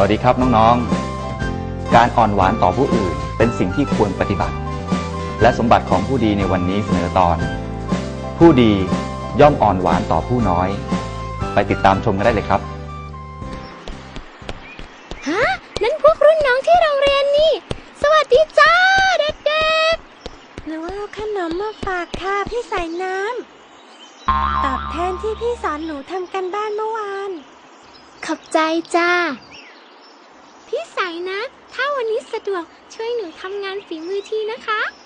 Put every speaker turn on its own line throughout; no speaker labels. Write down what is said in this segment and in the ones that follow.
วัสดีครับน้องๆการอ่อนหวานต่อผู้อื่นเป็นสิ่งที่ควรปฏิบัติและสมบัติของผู้ดีในวันนี้เสนอตอนผู้ดีย่อมอ่อนหวานต่อผู้น้อยไปติดตามชมกันได้เลยครับ
ฮะนั่นพวกรุ่นน้องที่โรงเรียนนี่สวัสดีจ้าเด็กๆหนูเอาขนมมาฝากค่ะพี่สายน้ำตอบแทนที่พี่สอนหนูทำกันบ้านเมื่อวานขอบใจจ้าพี่สายนะถ้าวันนี้สะดวกช่วยหนูทำงานฝีมือทีนะคะ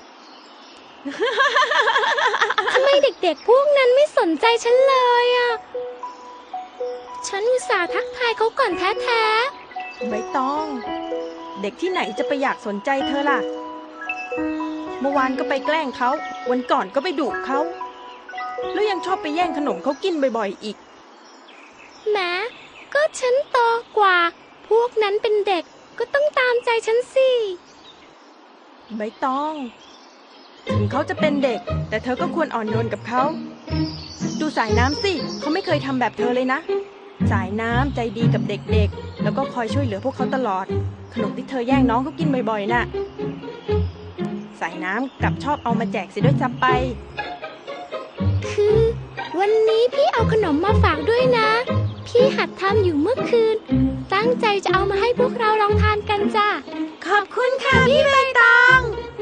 ทำไมเด็กๆพวกนั้นไม่สนใจฉันเลยอ่ะฉันอุตส่าห์ทักทายเขาก่อนแท้
ๆใบตองเด็กที่ไหนจะไปอยากสนใจเธอล่ะเมื่อวานก็ไปแกล้งเขาวันก่อนก็ไปดุเขาแล้วยังชอบไปแย่งขนมเขากินบ่อยๆอีก
แหมก็ฉันโตกว่าพวกนั้นเป็นเด็กก็ต้องตามใจฉันสิ
ใบตองถึงเขาจะเป็นเด็กแต่เธอก็ควรอ่อนโยนกับเขาดูสายน้ำสิเขาไม่เคยทำแบบเธอเลยนะสายน้ำใจดีกับเด็กๆแล้วก็คอยช่วยเหลือพวกเขาตลอดขนมที่เธอแย่งน้องเขากินบ่อยๆน่ะสายน้ำกลับชอบเอามาแจกเสียด้วยซ้ำไป
คือวันนี้พี่เอาขนมมาฝากด้วยนะพี่หัดทำอยู่เมื่อคืนตั้งใจจะเอามาให้พวกเราลองทานกันจ้ะขอบคุณค่ะพี่ใบตอง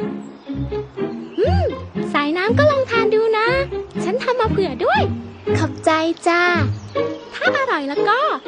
สายน้ำก็ลองทานดูนะฉันทำมาเผื่อด้วยขอบใจจ้าถ้าอร่อยแล้วก็